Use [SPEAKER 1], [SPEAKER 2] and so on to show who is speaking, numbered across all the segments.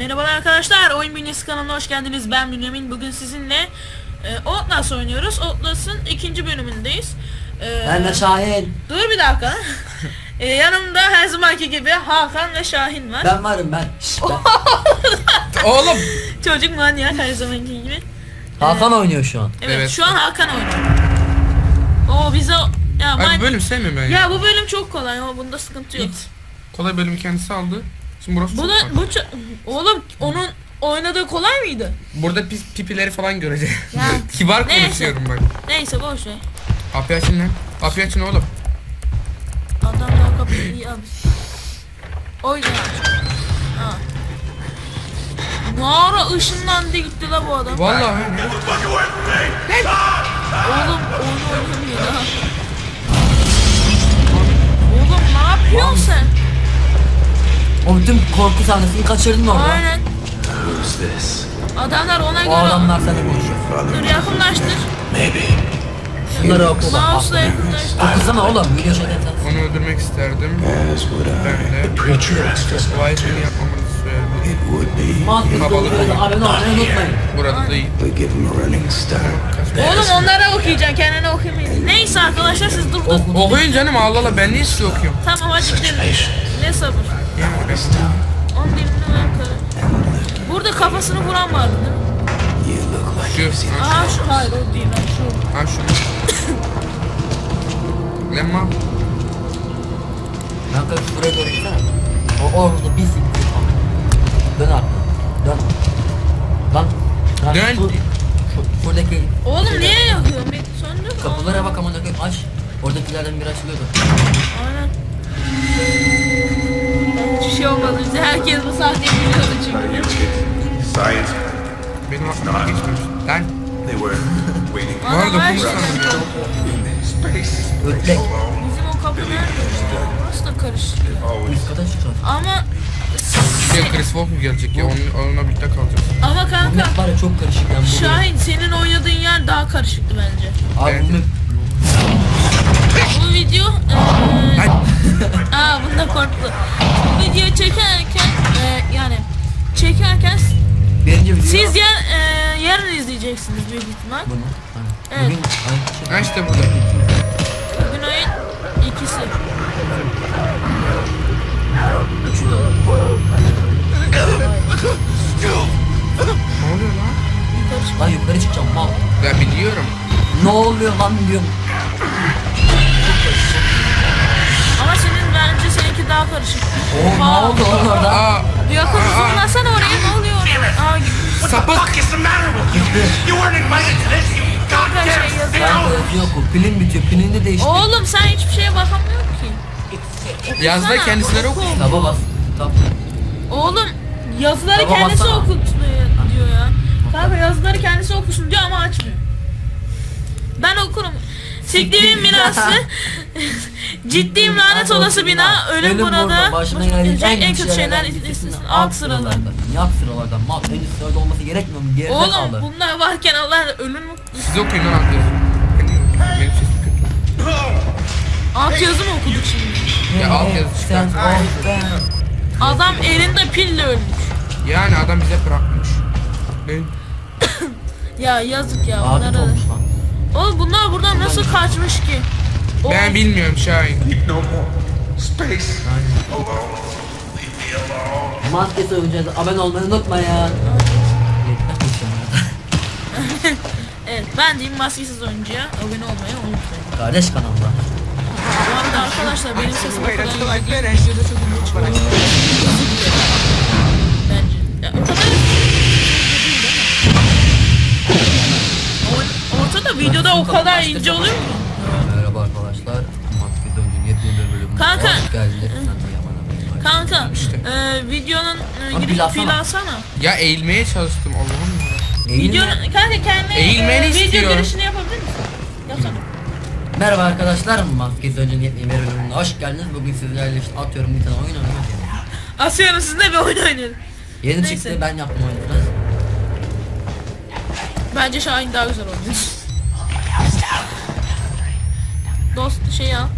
[SPEAKER 1] Merhaba arkadaşlar, Oyun Bünyesi kanalına hoş geldiniz. Ben Bünyamin. Bugün sizinle Outlast oynuyoruz. Outlast'ın 2. bölümündeyiz.
[SPEAKER 2] Ben de Şahin.
[SPEAKER 1] Dur bir dakika. Yanımda her zamanki gibi Hakan ve Şahin var.
[SPEAKER 2] Ben varım ben.
[SPEAKER 3] Oğlum.
[SPEAKER 1] Çocuk manyak her zamanki gibi.
[SPEAKER 2] Hakan oynuyor şu an.
[SPEAKER 1] Evet,
[SPEAKER 3] Evet.
[SPEAKER 1] şu an Hakan oynuyor. O bize ya,
[SPEAKER 3] Ay, bu bölüm sevmiyorum ben ya.
[SPEAKER 1] ya bu bölüm çok kolay ama bunda sıkıntı yok.
[SPEAKER 3] İt. Kolay bölümü kendisi aldı. Şimdi burası
[SPEAKER 1] Bu
[SPEAKER 3] çok
[SPEAKER 1] da
[SPEAKER 3] farklı.
[SPEAKER 1] oğlum onun oynadığı kolay mıydı?
[SPEAKER 3] Burada pipileri falan göreceğiz.
[SPEAKER 1] Ya.
[SPEAKER 3] Kibar
[SPEAKER 1] Neyse.
[SPEAKER 3] konuşuyorum bak.
[SPEAKER 1] Neyse boş ver.
[SPEAKER 3] Kapıyı açın lan. Kapıyı açın oğlum.
[SPEAKER 1] Adam daha kapıyı iyi almış. O yüzden aç. Ha. Ne ara ışınlandı gitti la bu adam.
[SPEAKER 3] Vallahi.
[SPEAKER 1] Oğlum oyun oynamıyor daha. Oğlum ne yapıyorsun sen?
[SPEAKER 2] O bütün korku sahnesini kaçırdın orada.
[SPEAKER 1] Aynen. Adamlar ona
[SPEAKER 2] O
[SPEAKER 1] göre...
[SPEAKER 2] adamlar seninle konuşuyor.
[SPEAKER 1] Dur yakınlaştır.
[SPEAKER 2] Şunları oku bak.
[SPEAKER 1] Mouse'la yakınlaştır.
[SPEAKER 2] Okusana oğlum. Video şeyden sen.
[SPEAKER 3] Onu öldürmek isterdim. Ben de. Vaizini yapmamızı söyledi.
[SPEAKER 2] Maskesi oluyorsa abone olmayı unutmayın.
[SPEAKER 3] Burada değil.
[SPEAKER 1] Oğlum onlara okuyacaksın, kendine okuyamayın. Neyse arkadaşlar siz dur dur.
[SPEAKER 3] Okuyun canım, Allah Allah, ben niye size okuyorum?
[SPEAKER 1] Tamam hadi gidelim. Ne sabır.
[SPEAKER 3] Yani
[SPEAKER 1] Onun dilini ben karı. Burada kafasını vuran vardı değil mi?
[SPEAKER 3] şu.
[SPEAKER 1] Aha şu, hayır o değil lan şu.
[SPEAKER 3] Ha şu. Lemma.
[SPEAKER 2] Ben kaç buraya doğru gitsene. O orada bir siktir. Dön abi. Dön. Lan.
[SPEAKER 3] Dön.
[SPEAKER 2] Şuradaki
[SPEAKER 1] Oğlum niye yakıyorsun? Bir söndür.
[SPEAKER 2] kapılara bak amına koyayım aç. Oradakilerden biri açılıyordu.
[SPEAKER 1] Aynen. Hiçbir şey olmadı bize. Herkes bu sahneyi biliyordu çünkü.
[SPEAKER 4] Science.
[SPEAKER 3] Benim aklıma geçmemiş. Lan.
[SPEAKER 4] They were waiting.
[SPEAKER 3] Bu arada
[SPEAKER 1] Aynen.
[SPEAKER 3] konuşsana ya.
[SPEAKER 4] Space.
[SPEAKER 2] Ötlek.
[SPEAKER 1] Bizim o kapı nerede? Burası da karışık.
[SPEAKER 2] Üst kata çıkacağız.
[SPEAKER 1] Ama
[SPEAKER 3] Chris Wolf mu gelecek ya? Onunla birlikte kalacağız.
[SPEAKER 1] ama
[SPEAKER 2] Bu
[SPEAKER 1] kanka
[SPEAKER 2] map var ya çok karışık yani bu.
[SPEAKER 1] Şahin senin oynadığın yer daha karışıktı bence.
[SPEAKER 2] Abi bu map.
[SPEAKER 1] Bu video
[SPEAKER 3] Ay.
[SPEAKER 1] bunda korktu. Bu video çekerken yani çekerken
[SPEAKER 2] Birinci video.
[SPEAKER 1] siz yarın izleyeceksiniz büyük ihtimal.
[SPEAKER 2] Bunu.
[SPEAKER 1] Evet.
[SPEAKER 2] Bugün
[SPEAKER 3] Ha işte burada.
[SPEAKER 1] Bugün ayın ikisi.
[SPEAKER 2] üçü de olur.
[SPEAKER 3] Ne oluyor lan?
[SPEAKER 1] Yukarı çık.
[SPEAKER 2] Lan yukarı çıkacağım mal.
[SPEAKER 3] Ya biliyorum.
[SPEAKER 2] Ne oluyor lan diyorum.
[SPEAKER 1] Ama senin bence seninki daha karışık.
[SPEAKER 2] Oo ne oldu oğlum orada?
[SPEAKER 3] Aa.
[SPEAKER 1] Yakın zoomlasana oraya, ne oluyor oraya?
[SPEAKER 3] Sapık.
[SPEAKER 4] What is the matter with you? You weren't invited to this, you
[SPEAKER 1] Kanka
[SPEAKER 4] goddamn
[SPEAKER 1] şey yazıyor.
[SPEAKER 2] Ben de yok o pilin bitiyor. Pilini de değiştir.
[SPEAKER 1] Oğlum sen hiçbir şeye bakamıyorsun ki.
[SPEAKER 3] Yazda
[SPEAKER 1] Okusana,
[SPEAKER 3] kendisileri
[SPEAKER 1] oku.
[SPEAKER 3] okusun.
[SPEAKER 2] Taba bas. Tab.
[SPEAKER 1] Oğlum yazıları
[SPEAKER 2] Tamam,
[SPEAKER 1] kendisi
[SPEAKER 2] baksana.
[SPEAKER 1] okutmuyor diyor ya. Kanka yazıları kendisi okusun diyor ama açmıyor. Ben okurum. Siktiğimin binası. Ciddiyim lanet olası bina. Ölüm burada.
[SPEAKER 2] Başına gelecek
[SPEAKER 1] En kötü şeyler listesinin alt sıralar.
[SPEAKER 2] Alt sıralardan. Mal en üst sırada olması gerekmiyor mu? Geride
[SPEAKER 1] Oğlum
[SPEAKER 2] kaldı.
[SPEAKER 1] bunlar varken Allah ölüm
[SPEAKER 3] Siz okuyun lan alt yazı. Benim sesim kötü.
[SPEAKER 1] alt yazı mı okuduk şimdi?
[SPEAKER 3] Ya alt yazı
[SPEAKER 2] Sen
[SPEAKER 3] çıkartın.
[SPEAKER 2] oh be.
[SPEAKER 1] Adam elinde pille ölmüş.
[SPEAKER 3] Yani adam bize bırakmış. Ne?
[SPEAKER 1] Ya yazık ya
[SPEAKER 2] Adet
[SPEAKER 1] bunlara.
[SPEAKER 2] olmuş lan.
[SPEAKER 1] Oğlum bunlar buradan nasıl kaçmış ki?
[SPEAKER 3] Ben bilmiyorum Şahin.
[SPEAKER 4] No more. Space. Alone. Leave me alone.
[SPEAKER 2] Maske oynayacağız. Abone olmayı unutma ya.
[SPEAKER 1] Evet ben diyeyim maskesiz oyuncuya abone olmayı unutmayın.
[SPEAKER 2] Kardeş kanalda.
[SPEAKER 1] Bu arada arkadaşlar benim sesim o kadar iyi değil. Videoda çok iyi çıkıyor. Bence. Ya, o kadar ortada videoda o kadar ince oluyor mu?
[SPEAKER 2] Merhaba arkadaşlar. Maske döndüğün yepyeni bölümüne
[SPEAKER 1] Kanka.
[SPEAKER 2] hoş geldiniz. Sen de yaman.
[SPEAKER 1] Kanka
[SPEAKER 3] İşte.
[SPEAKER 1] videonun
[SPEAKER 2] Abi,
[SPEAKER 1] giriş
[SPEAKER 2] alsana.
[SPEAKER 1] pil alsana.
[SPEAKER 3] Ya eğilmeye çalıştım Allah'ım ya.
[SPEAKER 1] Videonun kanka kendi
[SPEAKER 3] Eğilmeni
[SPEAKER 1] video
[SPEAKER 3] istiyorum.
[SPEAKER 1] girişini yapabilir misin? Yapsana.
[SPEAKER 2] Merhaba arkadaşlar. Maske döndüğün yepyeni bölümüne hoş geldiniz. Bugün sizlerle işte atıyorum bir tane oyun oynuyoruz.
[SPEAKER 1] Asıyorum sizinle bir oyun oynayalım.
[SPEAKER 2] Yeni
[SPEAKER 1] Neyse.
[SPEAKER 2] çıktı ben yaptım oyunu.
[SPEAKER 1] Bence Şahin daha güzel oynuyor. Dost şey al.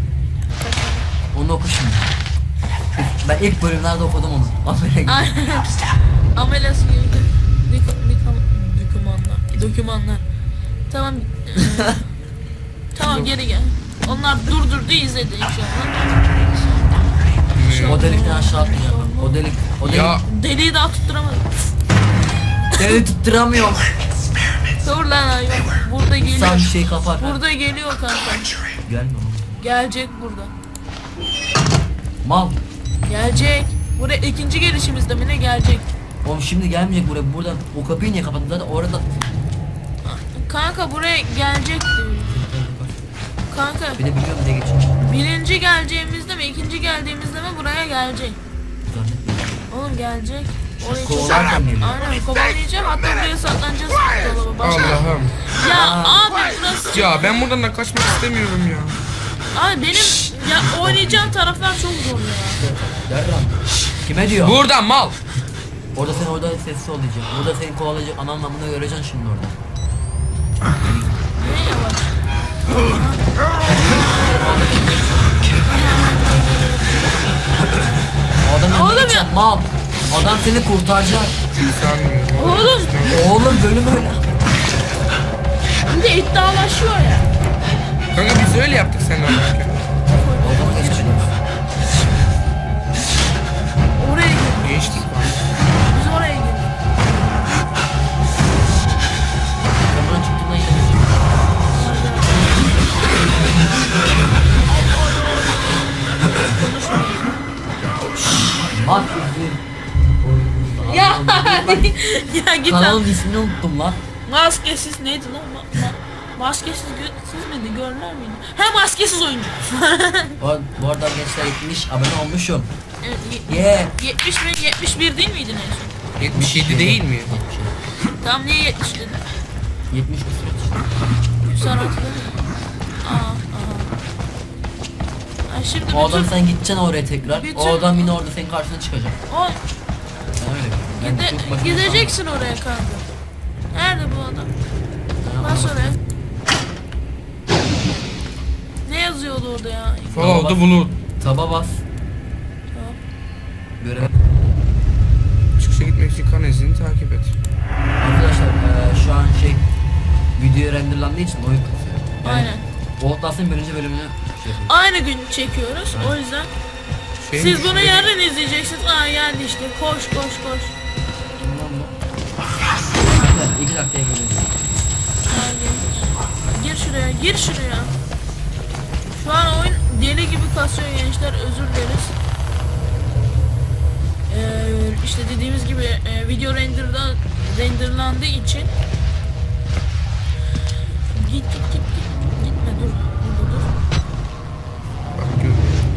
[SPEAKER 2] Onu oku şimdi. Ben ilk bölümlerde okudum onu. Aferin.
[SPEAKER 1] Aynen. Ameliyat gibi. Dokümanlar. Tamam. Tamam geri gel. Onlar durdurdu izledi inşallah.
[SPEAKER 2] O delikten aşağı atmayacağım. O delik.
[SPEAKER 3] Ya
[SPEAKER 1] Deliği daha tutturamadım.
[SPEAKER 2] Deli tutturamıyorum.
[SPEAKER 1] Dur lan hayvan. Burada
[SPEAKER 2] Sen bir
[SPEAKER 1] geliyor.
[SPEAKER 2] şey kapar.
[SPEAKER 1] Burada geliyor kanka.
[SPEAKER 2] Gelme oğlum.
[SPEAKER 1] Gelecek burada.
[SPEAKER 2] Mal.
[SPEAKER 1] Gelecek. Buraya ikinci gelişimizde mi ne gelecek?
[SPEAKER 2] Oğlum şimdi gelmeyecek buraya. Buradan o kapıyı niye kapattın zaten orada.
[SPEAKER 1] Kanka buraya gelecek diyor. Kanka
[SPEAKER 2] Bir de biliyorum ne geçiyor.
[SPEAKER 1] birinci geleceğimizde mi ikinci geldiğimizde mi buraya gelecek.
[SPEAKER 2] Zannetmiyorum.
[SPEAKER 1] Oğlum gelecek. Oraya
[SPEAKER 2] Kovalarken geliyor.
[SPEAKER 1] Aynen kovalayacağım hatta buraya saklanacağız. Dolaba başla.
[SPEAKER 3] Allah'ım.
[SPEAKER 1] Ya abi burası.
[SPEAKER 3] Ya ben buradan da kaçmak istemiyorum ya.
[SPEAKER 1] Abi benim ya oynayacağım taraflar çok zor ya.
[SPEAKER 2] Yarram. Kime diyor?
[SPEAKER 3] Buradan mal.
[SPEAKER 2] Orada sen orada sessiz ol diyecek. Burada seni kovalayacak ana anlamını göreceksin şimdi orada.
[SPEAKER 1] Ne yavaş.
[SPEAKER 2] O adam
[SPEAKER 1] Oğlum
[SPEAKER 2] önüne
[SPEAKER 1] ya.
[SPEAKER 2] geçecek, mal. Adam seni kurtaracak.
[SPEAKER 3] Sanmıyorum.
[SPEAKER 1] Oğlum
[SPEAKER 2] Oğlum bölüm öyle.
[SPEAKER 1] bir de iddialaşıyor ya.
[SPEAKER 3] Kanka biz öyle yaptık seninle oynarken.
[SPEAKER 2] O zaman geçelim.
[SPEAKER 1] Oraya girdik.
[SPEAKER 3] Geçtik lan.
[SPEAKER 1] Biz oraya girdik.
[SPEAKER 2] Ben buradan çıktığımda yine geçeceğim. Bak
[SPEAKER 1] Ya ya git lan.
[SPEAKER 2] kanalın ismini unuttum lan.
[SPEAKER 1] Maskesiz neydi lan? Maskesiz siz miydi? Görünür müydü? He maskesiz oyuncu.
[SPEAKER 2] Bu arada gençler 70 abone olmuşum.
[SPEAKER 1] Evet,
[SPEAKER 2] Yeah.
[SPEAKER 1] 70 mi? 71 değil miydi neyse?
[SPEAKER 3] 77 değil mi?
[SPEAKER 1] Tamam niye 70 dedin?
[SPEAKER 2] 70 küsur.
[SPEAKER 1] Sen hatırladın mı? Aa. Ay şimdi
[SPEAKER 2] O adam
[SPEAKER 1] bütün...
[SPEAKER 2] sen gideceksin oraya tekrar.
[SPEAKER 1] Bütün-
[SPEAKER 2] O adam yine orada senin karşına çıkacak.
[SPEAKER 1] O,
[SPEAKER 2] Ben öyle. Ben çok bakayım.
[SPEAKER 1] gideceksin oraya kanka. Nerede bu adam?
[SPEAKER 2] Ben
[SPEAKER 1] Bas
[SPEAKER 2] anlamadım.
[SPEAKER 1] oraya. Ne yazıyordu orada ya?
[SPEAKER 3] Follow the blue.
[SPEAKER 2] Taba bas.
[SPEAKER 1] Tamam.
[SPEAKER 2] Görev.
[SPEAKER 3] Çıkışa gitmek için kan izini takip et.
[SPEAKER 2] Arkadaşlar şu an video renderlandığı için oyun kasıyor. Yani
[SPEAKER 1] Aynen.
[SPEAKER 2] Outlast'ın birinci bölümünü şey yapıyoruz.
[SPEAKER 1] Aynı gün çekiyoruz. O yüzden
[SPEAKER 3] Şey
[SPEAKER 1] siz bunu yarın izleyeceksiniz. Aa geldi işte. Koş.
[SPEAKER 2] Kim lan bu? Kanka 2 dakikaya geliyor.
[SPEAKER 1] Geldi. Gir şuraya. Şu an oyun deli gibi kasıyor gençler. Özür dileriz. İşte dediğimiz gibi video renderlandığı için gitme dur burada dur.
[SPEAKER 3] Bak gör.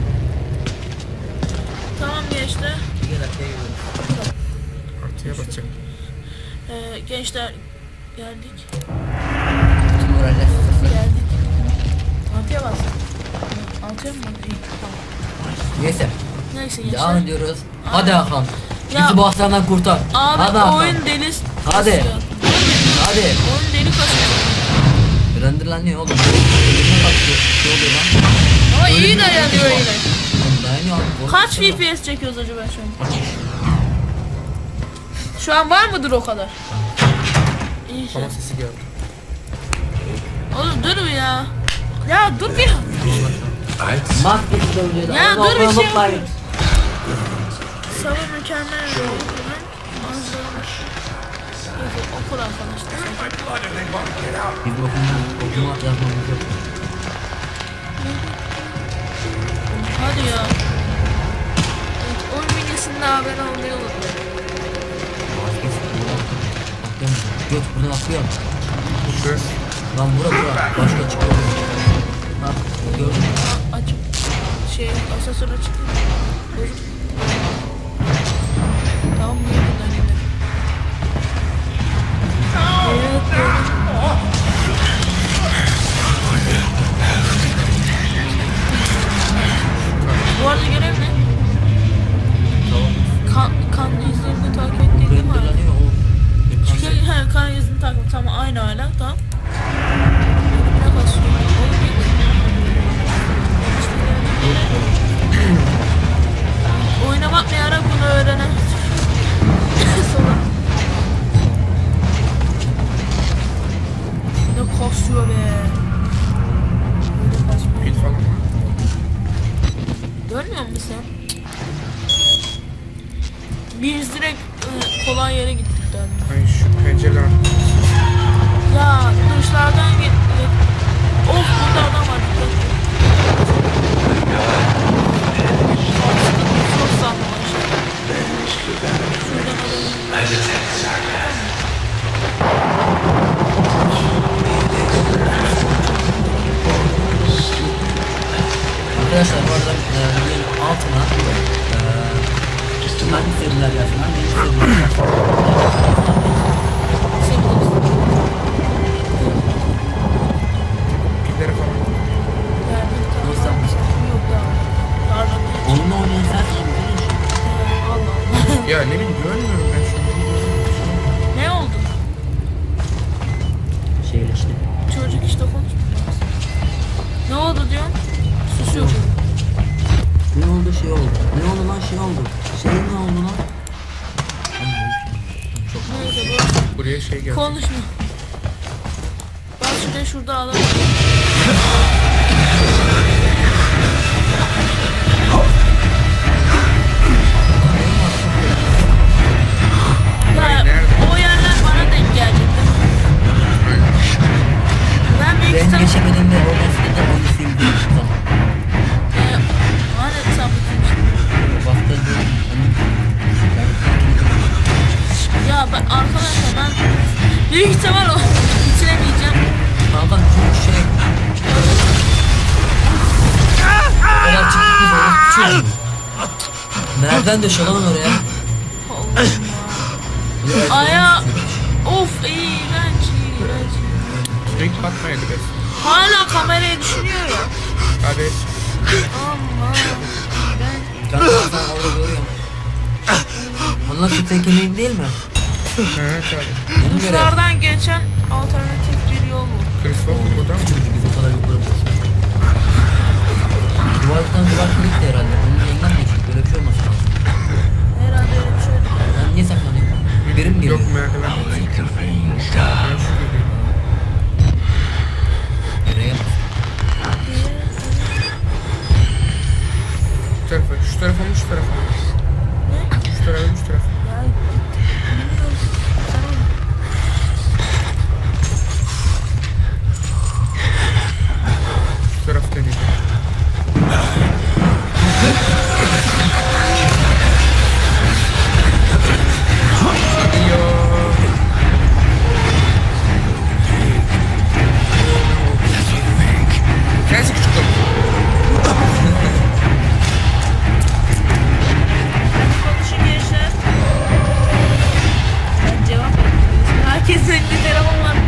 [SPEAKER 1] Tamam gençler.
[SPEAKER 2] 2 dakikaya geliyor.
[SPEAKER 3] Artıya basacak.
[SPEAKER 1] Gençler geldik.
[SPEAKER 2] Tüm moraller.
[SPEAKER 1] Altıya bas. Altıya mı? İyi, tamam.
[SPEAKER 2] Neyse.
[SPEAKER 1] Neyse
[SPEAKER 2] Devam
[SPEAKER 1] gençler.
[SPEAKER 2] ediyoruz. Hadi Hakan.
[SPEAKER 1] Ya-
[SPEAKER 2] Bizi bu hastanedan kurtar.
[SPEAKER 1] Abi
[SPEAKER 2] Hadi Hakan.
[SPEAKER 1] oyun deli.
[SPEAKER 2] Hadi.
[SPEAKER 1] kasıyor.
[SPEAKER 2] Hadi.
[SPEAKER 1] Oyun deli kasıyor.
[SPEAKER 2] Renderlanıyor oğlum. Ölümüne kaçıyor. Şey oluyor lan.
[SPEAKER 1] Ama iyi
[SPEAKER 2] Ölümüne
[SPEAKER 1] dayanıyor
[SPEAKER 2] kaçıyor.
[SPEAKER 1] yine.
[SPEAKER 2] Oğlum dayanıyor abi.
[SPEAKER 1] Kaç FPS çekiyoruz acaba şu an? Şu an var mıdır o kadar? İyi şey.
[SPEAKER 3] Hava sesi geldi.
[SPEAKER 1] Oğlum dur bir ya. Ya dur bir.
[SPEAKER 2] Maskesiz oyuncuyu da.
[SPEAKER 1] Ya
[SPEAKER 2] onu
[SPEAKER 1] dur bir şey
[SPEAKER 2] unutmayın.
[SPEAKER 1] yok. Sabah mükemmel bir oyun. Manzara. Neyse, okul arkadaşlar.
[SPEAKER 4] Why do they want to get out?
[SPEAKER 2] Biz okuma yazmamız yok.
[SPEAKER 1] Hadi ya. Evet, oyun bilgisinde haber almayı unutmayın.
[SPEAKER 2] Maskesiz buradan atlıyorum. Göt buradan atlıyorum.
[SPEAKER 3] Şu.
[SPEAKER 2] Lan bura. Başka çıkıyor. Ha gördün mü?
[SPEAKER 1] Aç. Asansöre çıktı. Dur. Tamam niye buradan gidelim? Evet. Bu arada görev ne? Kan izlerini takip ettiğin değil mi?
[SPEAKER 2] Renderlanıyor o.
[SPEAKER 1] He, kan izini takip. Tamam aynı hala. Tamam. Ölümüne basıyor. Oğlum git. Biz direkt kolay yere gittik daha.
[SPEAKER 3] Ay şu pencereler.
[SPEAKER 1] Ya duşlardan gittik. Of burada adam var. Çok sandım aşağı.
[SPEAKER 2] Arkadaşlar bu arada videonun altına hangi seriler yazsın, hangi seriler yazsın.
[SPEAKER 3] Pilleri falan.
[SPEAKER 1] Yok daha. Pardon.
[SPEAKER 2] Onunla oynayan sensin.
[SPEAKER 1] Allah Allah.
[SPEAKER 3] Ya ne bileyim görmüyorum ben şu an.
[SPEAKER 1] Ne oldu?
[SPEAKER 2] Şeyle işte.
[SPEAKER 1] Çocuk işte konuşmuyor. Ne oldu diyorsun? Susuyor çocuk.
[SPEAKER 2] Ne oldu şey oldu. Ne oldu lan şey oldu. Şey ne oldu lan? Çok
[SPEAKER 1] Neyse bu.
[SPEAKER 3] Buraya şey geldi.
[SPEAKER 1] Konuşma. Bak şurada adam. Ya o yerler bana denk gelecek. Ben büyük
[SPEAKER 2] ben
[SPEAKER 1] ihtimal...
[SPEAKER 2] geçemediğimde o mesleğinde onu sildim. Tamam.
[SPEAKER 1] Hani sen bitirmişsin.
[SPEAKER 2] Bastırdım.
[SPEAKER 1] Ya ben arkadaşlar ben büyük ihtimal o bitiremeyeceğim.
[SPEAKER 2] Kanka çünkü şey... Oraya çıktık biz oraya çıkıyoruz. Nereden döşelemem oraya?
[SPEAKER 1] Allah. Aya of iğrenç.
[SPEAKER 3] Sürekli bakmaydı be.
[SPEAKER 1] Hala kamerayı düşünüyor ya.
[SPEAKER 3] Hadi.
[SPEAKER 1] Allah.
[SPEAKER 2] Kanka sen orada görüyorum. Onlar şu tekenin değil mi?
[SPEAKER 3] Ha tabii.
[SPEAKER 2] Ona göre.
[SPEAKER 1] Duşlardan geçen alternatif bir yol bu.
[SPEAKER 3] Christopher burada mı?
[SPEAKER 2] Çünkü biz o kadar yukarı basıyoruz. Duvardan duvar kırık da herhalde. Onun yeniden mi geçiyor? Böyle bir şey olması lazım.
[SPEAKER 1] Herhalde öyle bir şey oldu.
[SPEAKER 2] Ben niye saklanıyorum? Biri mi geliyor?
[SPEAKER 3] Yok merdiven. Ben şu geliyorum.
[SPEAKER 2] Nereye bak?
[SPEAKER 3] Şu tarafa, şu tarafa mı, şu tarafa mı?
[SPEAKER 1] Ne?
[SPEAKER 3] Şu tarafa mı, şu tarafa mı?
[SPEAKER 1] Ya bilmiyorum. Sen oyna.
[SPEAKER 3] Şu taraf deneyeceğim. Gidiyor. Sensin küçük kız.
[SPEAKER 1] Konuşun gençler. Ben cevap vermiyorum. Herkesin elinde telefon var.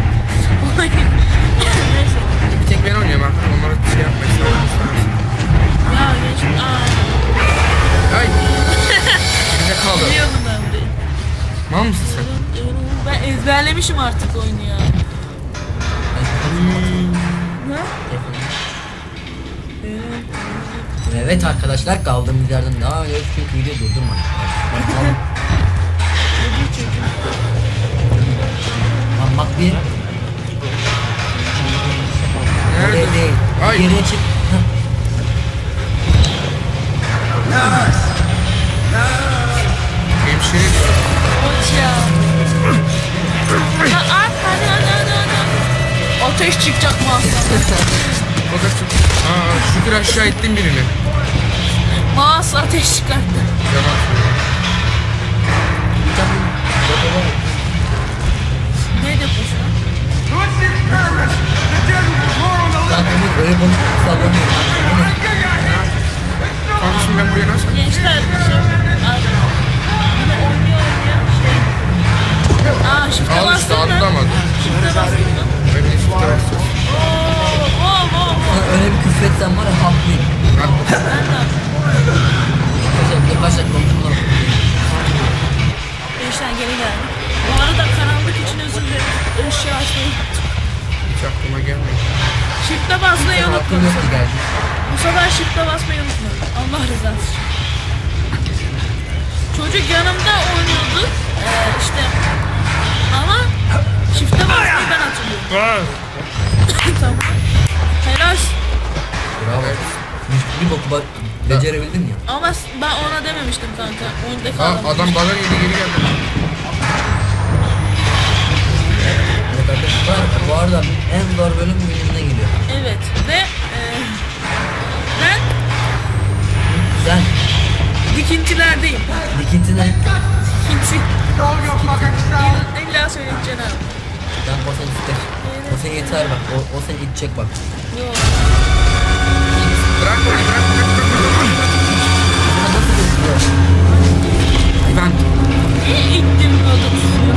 [SPEAKER 1] Neyse.
[SPEAKER 3] Bir tek ben oynuyorum arkadaşlar. Onlara şey yapmayın.
[SPEAKER 1] Ya gençler. Aa,
[SPEAKER 3] Ay. Elimde kaldı.
[SPEAKER 1] biliyordum ben burayı.
[SPEAKER 3] Mal mısın sen?
[SPEAKER 1] Ben ezberlemişim artık oyunu ya. Ne?
[SPEAKER 2] Evet arkadaşlar kaldığımız yerden devam ediyoruz çünkü video durdurma. Lan bak bir.
[SPEAKER 3] Nerede?
[SPEAKER 2] Oraya değil.
[SPEAKER 3] Ay.
[SPEAKER 2] Geriye çık. Heh.
[SPEAKER 3] Hemşire diyor.
[SPEAKER 1] Koç ya. Ya at hadi. Ateş çıkacak mı aslında?
[SPEAKER 3] O da çok... Aa, şükür aşağı ettim birini.
[SPEAKER 1] Mouse ateş çıkarttı.
[SPEAKER 3] Yalan.
[SPEAKER 1] Ne yapıyorsun?
[SPEAKER 2] Lan Ömür öyle bunu sallamıyor.
[SPEAKER 3] Kardeşim ben buraya nasıl...
[SPEAKER 1] Gençler yine oynuyor şey. Aa shift'e
[SPEAKER 3] Al işte
[SPEAKER 1] bastın mı?
[SPEAKER 3] atlamadı.
[SPEAKER 1] Shift'e bastın mı?
[SPEAKER 3] Ben de işte bastım.
[SPEAKER 1] Oo.
[SPEAKER 2] Sana öyle bir küfür etsem var ya haklıyım.
[SPEAKER 1] Ben de.
[SPEAKER 2] Arkadaşlar konuşmalar.
[SPEAKER 1] Gençler geri geldi. Bu arada karanlık için özür dilerim. Işığı açmayı unuttum.
[SPEAKER 3] Hiç aklıma gelmedi.
[SPEAKER 1] Shift'e basmayı
[SPEAKER 2] Senin hakkın
[SPEAKER 1] unutmadım.
[SPEAKER 2] yoktu geldi.
[SPEAKER 1] Bu sefer shift'e basmayı unutmadım. Allah rızası için. Çocuk yanımda oynuyordu. İşte ama shift'e basmayı ben hatırlıyorum. Tamam. Helal.
[SPEAKER 2] Bravo.
[SPEAKER 3] Evet.
[SPEAKER 2] Bir boku bak becerebildim ya.
[SPEAKER 1] Ama ben ona dememiştim kanka. Oyunda
[SPEAKER 3] Aa,
[SPEAKER 1] kaldım.
[SPEAKER 3] adam bana yedi geri geldi.
[SPEAKER 2] Evet arkadaşlar bu arada en zor bölüm bölümüne geliyor.
[SPEAKER 1] Evet ve ben
[SPEAKER 2] Sen
[SPEAKER 1] dikintilerdeyim.
[SPEAKER 2] dikinti ne?
[SPEAKER 1] Dikinti.
[SPEAKER 4] Show your fucking self.
[SPEAKER 1] İlla söyleyeceksin abi.
[SPEAKER 2] Ben o seni ister. O seni yeter bak. O seni itecek bak.
[SPEAKER 1] Yok.
[SPEAKER 3] Bırak onu bırak.
[SPEAKER 2] Sana nasıl geçiyor?
[SPEAKER 3] Ben.
[SPEAKER 1] Niye ittim adı tutuyor?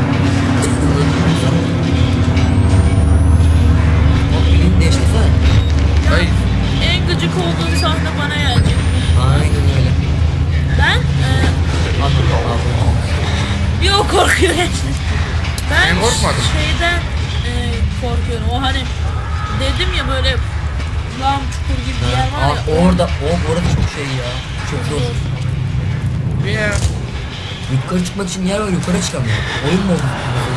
[SPEAKER 2] O pilini değiştirsene.
[SPEAKER 3] Hayır.
[SPEAKER 1] En gıcık olduğum sahne bana gelecek.
[SPEAKER 2] Aynen öyle.
[SPEAKER 1] Ben
[SPEAKER 2] Anladım.
[SPEAKER 1] yok korkuyorum. Ben
[SPEAKER 3] Ben korkmadım.
[SPEAKER 1] şeyden korkuyorum. O hani dedim ya böyle lağım çukur gibi bir yer var ya.
[SPEAKER 2] Orada çok şey ya. Çok zor.
[SPEAKER 3] Ya.
[SPEAKER 2] Yukarı çıkmak için yer var, yukarı çıkamıyor. Oyun mu oldu?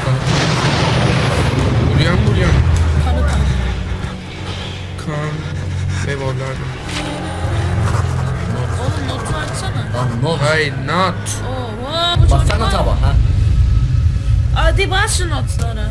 [SPEAKER 3] Buraya buraya.
[SPEAKER 1] Kanı kanı.
[SPEAKER 3] Kan. Ve vorlardım.
[SPEAKER 1] Oğlum notu açsana.
[SPEAKER 2] Lan ne oldu?
[SPEAKER 3] Hayır not.
[SPEAKER 1] Oo, bu çocuk
[SPEAKER 2] Baksana
[SPEAKER 1] var.
[SPEAKER 2] taba ha.
[SPEAKER 1] Hadi bas şu notları.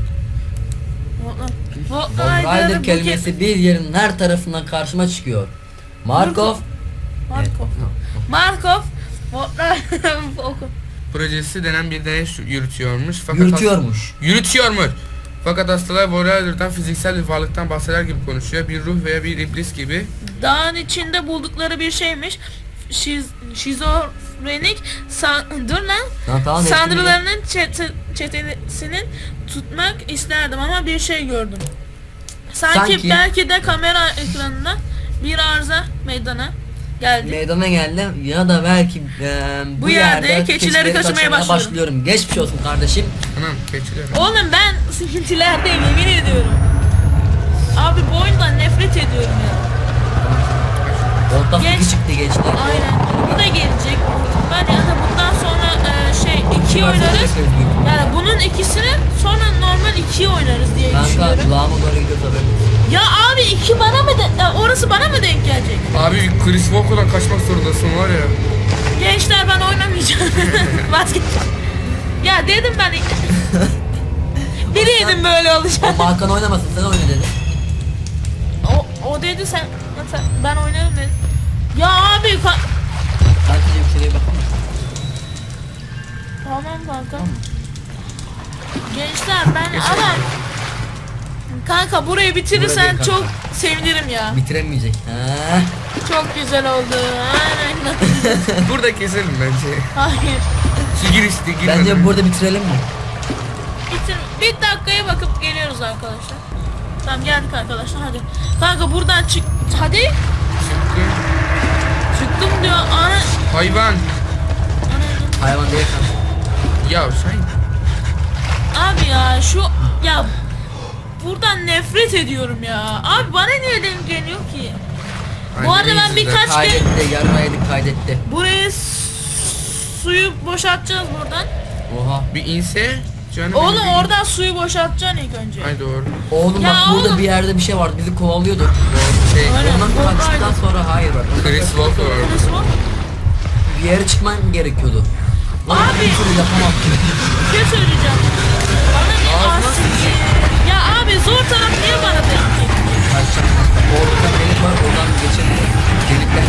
[SPEAKER 2] Von Rider kelimesi bir yerin her tarafından karşıma çıkıyor. Markov.
[SPEAKER 1] Markov. Markov. Von Rider oku.
[SPEAKER 3] Projesi denen bir deney yürütüyormuş.
[SPEAKER 2] Yürütüyormuş.
[SPEAKER 3] Yürütüyormuş. Fakat hastalar Vorlarder'dan fiziksel bir varlıktan bahseder gibi konuşuyor. Bir ruh veya bir iblis gibi.
[SPEAKER 1] Dağın içinde buldukları bir şeymiş. Şizofrenik dur lan.
[SPEAKER 2] Tamam,
[SPEAKER 1] Sanrılarının çetesini tutmak isterdim ama bir şey gördüm. Sanki belki de kamera ekranında bir arıza meydana geldi.
[SPEAKER 2] Meydana geldim ya da belki
[SPEAKER 1] Bu yerde keçileri kaçırmaya
[SPEAKER 2] başlıyorum. Geçmiş olsun kardeşim.
[SPEAKER 3] Anam keçiler.
[SPEAKER 1] Oğlum ben sıkıntılerdeyim yemin ediyorum. Abi bu oyundan nefret ediyorum ya.
[SPEAKER 2] Volta
[SPEAKER 1] Geç.
[SPEAKER 2] fıkı çıktı gençler.
[SPEAKER 1] Aynen. Bu da gelecek. Ben ya da bundan sonra iki oynarız. Yani bunun ikisini sonra normal 2'yi oynarız diye
[SPEAKER 2] Kanka
[SPEAKER 1] düşünüyorum.
[SPEAKER 2] kulağıma doğru gidiyor tabii.
[SPEAKER 1] Ya abi 2 bana mı orası bana mı denk gelecek?
[SPEAKER 3] Abi Chris Walker'dan kaçmak zorundasın var ya.
[SPEAKER 1] Gençler ben oynamayacağım. Vazgeçeceğim. Ya dedim ben biliyordum böyle olacak.
[SPEAKER 2] O Hakan oynamasın sen oyna dedi.
[SPEAKER 1] O dedi sen ben oynarım dedim. Ya abi
[SPEAKER 2] Kankacığım şuraya bakalım.
[SPEAKER 1] tamam kanka. Gençler ben ama kanka burayı bitirirsen
[SPEAKER 2] Burada değil
[SPEAKER 1] çok
[SPEAKER 2] kanka.
[SPEAKER 1] sevinirim ya.
[SPEAKER 2] Bitiremeyecek. Ha.
[SPEAKER 1] Çok güzel oldu. Aynen.
[SPEAKER 3] Burada keselim bence.
[SPEAKER 1] Hayır.
[SPEAKER 3] Şu girişti girmeden.
[SPEAKER 2] Bence burada bitirelim mi?
[SPEAKER 1] Bitir. Bir dakikaya bakıp geliyoruz arkadaşlar. Tamam geldik arkadaşlar hadi. Kanka buradan çık. Hadi. Çıktım diyor. Ana.
[SPEAKER 3] Hayvan.
[SPEAKER 2] Hayvan değil kanka.
[SPEAKER 3] Ya sen.
[SPEAKER 1] Abi ya ya buradan nefret ediyorum ya. Abi bana niye denk geliyor ki? Bu arada ben birkaç kere
[SPEAKER 2] Kaydetti, yarmaydık kaydetti.
[SPEAKER 1] buraya suyu boşaltacağız buradan.
[SPEAKER 2] Oha.
[SPEAKER 3] Bir inse canım.
[SPEAKER 1] Oğlum
[SPEAKER 3] benim
[SPEAKER 1] oradan suyu boşaltacaksın ilk önce.
[SPEAKER 3] Ay doğru.
[SPEAKER 2] Oğlum
[SPEAKER 1] Ya
[SPEAKER 2] bak burada
[SPEAKER 1] oğlum.
[SPEAKER 2] bir yerde bir şey vardı bizi kovalıyordu.
[SPEAKER 3] Şey.
[SPEAKER 1] Aynen.
[SPEAKER 2] Ondan
[SPEAKER 1] Von
[SPEAKER 2] kaçtıktan
[SPEAKER 1] Rider.
[SPEAKER 2] sonra hayır bak.
[SPEAKER 3] Chris Walker.
[SPEAKER 1] Neresi var?
[SPEAKER 2] Bir yere çıkman gerekiyordu. Lan
[SPEAKER 1] Abi.
[SPEAKER 2] bir türlü yapamam.
[SPEAKER 1] Bir şey söyleyeceğim. Bana bir
[SPEAKER 3] Ağzına
[SPEAKER 1] asiktir. Ya abi zor taraf niye bana denk geliyor?
[SPEAKER 2] Kaçacağım. Orada delik var oradan geçelim. Delikten.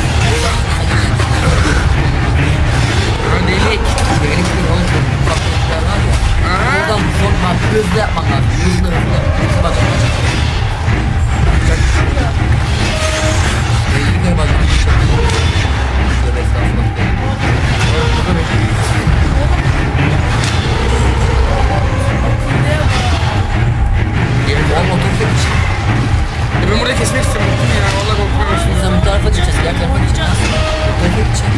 [SPEAKER 3] Ha delik.
[SPEAKER 2] Delik değil oğlum. Ufak delikler var ya.
[SPEAKER 3] Aha.
[SPEAKER 2] Oradan son bak hızlı yapman lazım. Hızlı hızlı. Hızlı bak. Belli bir bak. Şöyle estağfurullah. Oğlum otobüse geç.
[SPEAKER 3] Ben burada kesmek istiyorum. Ya vallahi korkuyorum.
[SPEAKER 2] Sen bu tarafa gideceğiz. Diğer tarafa gideceğiz. Otobüse gideceğiz.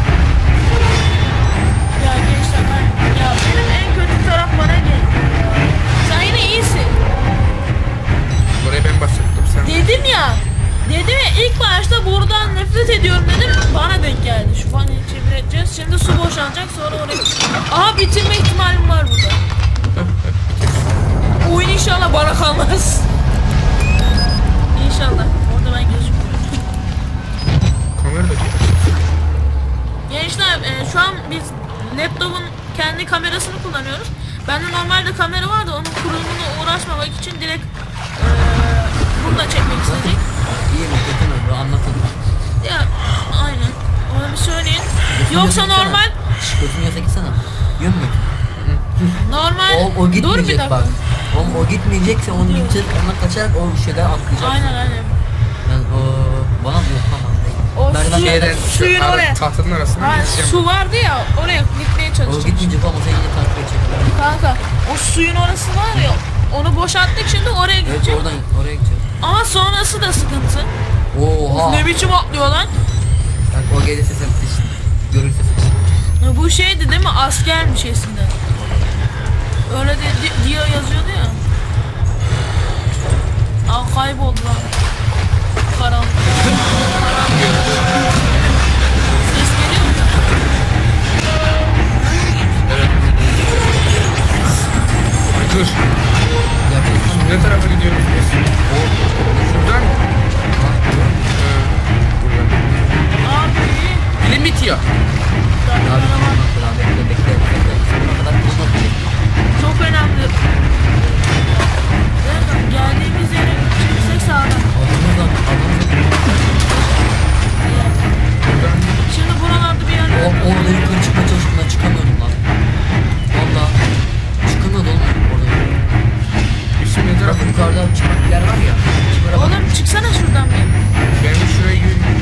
[SPEAKER 1] Ya gençler ya benim en kötü taraf bana geldi. Sen yine iyisin.
[SPEAKER 3] Burayı ben başlattım sen.
[SPEAKER 1] Dedim ya ilk başta buradan nefret ediyorum dedim bana denk geldi. Şu fani çevireceğiz. Şimdi su boşalacak sonra oraya. Aha bitirme ihtimalim var burada. Oyun inşallah bana kalmaz. İnşallah. Orada ben gözükmüyorum.
[SPEAKER 3] kamera da değil.
[SPEAKER 1] Gençler şu an biz laptopun kendi kamerasını kullanıyoruz. Bende normalde kamera var da onun kurulumuna uğraşmamak için direkt burada çekmek istedik.
[SPEAKER 2] İyi mi kötü mü? Bu anlatın.
[SPEAKER 1] Ya aynen. Onu bir söyleyin. Yoksa normal
[SPEAKER 2] Götünü yasa gitsene. Yön mü?
[SPEAKER 1] normal
[SPEAKER 2] O
[SPEAKER 1] dur bir
[SPEAKER 2] gitmeyecek
[SPEAKER 1] dakika.
[SPEAKER 2] bak. O gitmeyecekse onu gideceğiz. Ondan kaçarak o şeyden atlayacak.
[SPEAKER 1] Aynen.
[SPEAKER 2] Yani o bana bu tamam değil.
[SPEAKER 1] O
[SPEAKER 2] Merdiven
[SPEAKER 1] suyu-
[SPEAKER 2] kayar.
[SPEAKER 1] suyun
[SPEAKER 3] şu
[SPEAKER 1] oraya.
[SPEAKER 3] tahtanın arasına
[SPEAKER 1] Ha,
[SPEAKER 3] gideceğim.
[SPEAKER 1] su vardı ya oraya gitmeye
[SPEAKER 2] O
[SPEAKER 1] çalışacağız.
[SPEAKER 2] gitmeyecek ama sen yine takip edecek.
[SPEAKER 1] Kanka o suyun orası var ya onu boşalttık şimdi oraya
[SPEAKER 2] Evet
[SPEAKER 1] gidecek.
[SPEAKER 2] oradan oraya gideceğiz.
[SPEAKER 1] Ama sonrası da sıkıntı.
[SPEAKER 2] Oha.
[SPEAKER 1] Ne biçim atlıyor lan?
[SPEAKER 2] Bak o gelirse sen sıçtın. Görürse sıçtın.
[SPEAKER 1] Ya bu şeydi değil mi? Askermiş eskiden. Öyle de diye yazıyordu ya. Aa kayboldu lan. Karanlık. Ses geliyor mu?
[SPEAKER 3] Ay, dur.
[SPEAKER 2] Gerçekten
[SPEAKER 3] Ne tarafa gidiyoruz biz? Şuradan mı? Buradan.
[SPEAKER 1] Abi.
[SPEAKER 3] Bilim bitiyor.
[SPEAKER 2] Abi falan bekle. Sonuna kadar bulmak.
[SPEAKER 1] Çok önemli. Evet, geldiğimiz yere gideceksek sağdan.
[SPEAKER 3] Buradan.
[SPEAKER 1] Şimdi buralarda bir yerler.
[SPEAKER 2] Orada yukarı çıkmaya çalıştığımda çıkamıyordum lan. Valla. Çıkamıyordu oğlum orada.
[SPEAKER 3] Biz şimdi ne
[SPEAKER 2] Bak
[SPEAKER 3] tarafa
[SPEAKER 2] yukarıda çıkmak bir yer var ya. Çıkmaya bak.
[SPEAKER 1] Oğlum çıksana şuradan bir.
[SPEAKER 3] Ben de şuraya yürüyeyim.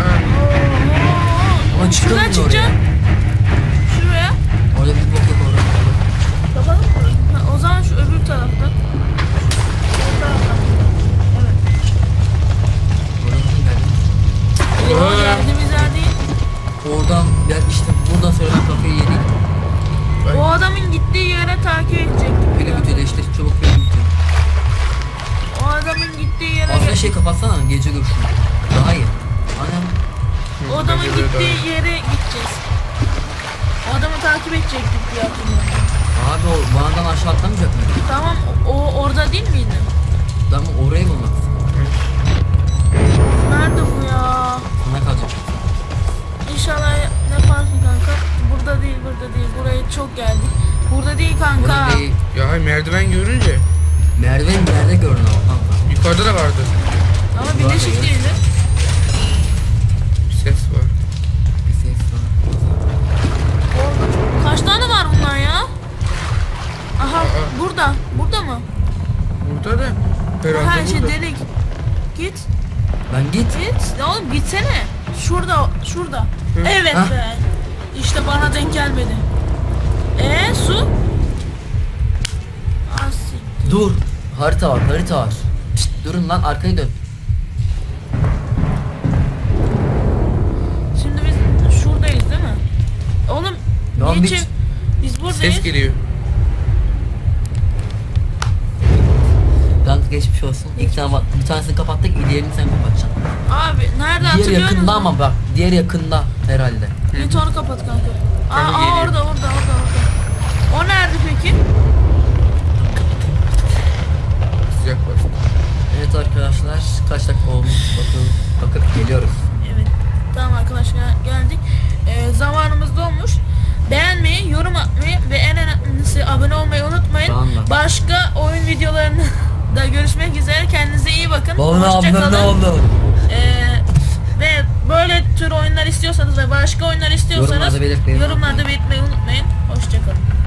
[SPEAKER 2] Ama
[SPEAKER 1] Şuradan
[SPEAKER 2] çıkamıyor
[SPEAKER 1] çıkacağım. Şuraya.
[SPEAKER 2] Orada bir bok yok orada.
[SPEAKER 1] Kapalı mı? Ha, o zaman şu öbür taraftan. O taraftan. Evet.
[SPEAKER 2] Orada nasıl geldim?
[SPEAKER 1] O geldiğimiz yer değil.
[SPEAKER 2] Oradan ya işte buradan sonra ben kafayı yedik.
[SPEAKER 1] O adamın gittiği yere takip edecektik.
[SPEAKER 2] Biri bitiyor da işte çabuk biri bitiyor.
[SPEAKER 1] O adamın gittiği yere
[SPEAKER 2] Aslında şey kapatsana gece görüşünü. Daha iyi. Aynen.
[SPEAKER 1] o adamın gittiği yere gideceğiz. O adamı takip edecektik diye hatırlıyorum.
[SPEAKER 2] Abi o bağından aşağı atlamayacak mı?
[SPEAKER 1] Tamam o orada değil miydi?
[SPEAKER 2] Tamam orayı bulmak istiyorum.
[SPEAKER 1] Nerede bu ya?
[SPEAKER 2] Sana kalacak.
[SPEAKER 1] İnşallah yaparsın kanka. Burada değil, burada değil. Buraya çok geldik. Burada değil kanka.
[SPEAKER 2] Burada değil.
[SPEAKER 3] Ya hay merdiven görünce
[SPEAKER 2] Merdiven bir yerde görün ama kanka.
[SPEAKER 3] yukarıda da vardı.
[SPEAKER 1] Ama birleşik değildi.
[SPEAKER 3] Bir ses var.
[SPEAKER 2] Bir ses var.
[SPEAKER 1] Orada. Kaç tane var bunlar ya? Aha
[SPEAKER 3] Aa.
[SPEAKER 1] burada. Burada mı?
[SPEAKER 3] Burada da herhalde
[SPEAKER 1] Her şey
[SPEAKER 3] burada.
[SPEAKER 1] delik. Git.
[SPEAKER 2] Ben git.
[SPEAKER 1] Git. Ya oğlum gitsene. Şurada. Şurada.
[SPEAKER 3] Hı.
[SPEAKER 1] Evet
[SPEAKER 2] Hah.
[SPEAKER 1] be. İşte bana denk gelmedi. Su? Asi.
[SPEAKER 2] Dur. Harita var. Şşt, durun lan arkaya dön.
[SPEAKER 1] Şimdi biz şuradayız değil mi? Oğlum
[SPEAKER 2] Lan
[SPEAKER 1] niçin? Biz buradayız.
[SPEAKER 3] Ses geliyor.
[SPEAKER 2] Kanka geçmiş olsun. İlk tane bak bir tanesini kapattık, diğerini sen kapatacaksın.
[SPEAKER 1] Abi nerede
[SPEAKER 2] Diğer
[SPEAKER 1] hatırlıyor
[SPEAKER 2] yakında
[SPEAKER 1] musun?
[SPEAKER 2] ama bak. Diğer yakında herhalde.
[SPEAKER 1] Git onu kapat kanka.
[SPEAKER 3] Kanka
[SPEAKER 1] Aa,
[SPEAKER 3] geliyor.
[SPEAKER 1] orada. O nerede peki?
[SPEAKER 3] Sıcak bastı.
[SPEAKER 2] Evet arkadaşlar kaç dakika olmuş bakıp geliyoruz.
[SPEAKER 1] Evet. Tamam arkadaşlar geldik. Zamanımız dolmuş. Beğenmeyi, yorum atmayı ve en önemlisi abone olmayı unutmayın.
[SPEAKER 2] Tamam.
[SPEAKER 1] Başka oyun videolarını da görüşmek üzere. Kendinize iyi bakın.
[SPEAKER 2] Bana
[SPEAKER 1] Hoşça
[SPEAKER 2] ablam ne
[SPEAKER 1] kalın.
[SPEAKER 2] oldu?
[SPEAKER 1] Ve böyle tür oyunlar istiyorsanız ve başka oyunlar istiyorsanız
[SPEAKER 2] Yorumlarda belirtmeyi
[SPEAKER 1] yorumlarda belirtmeyi unutmayın. Hoşçakalın.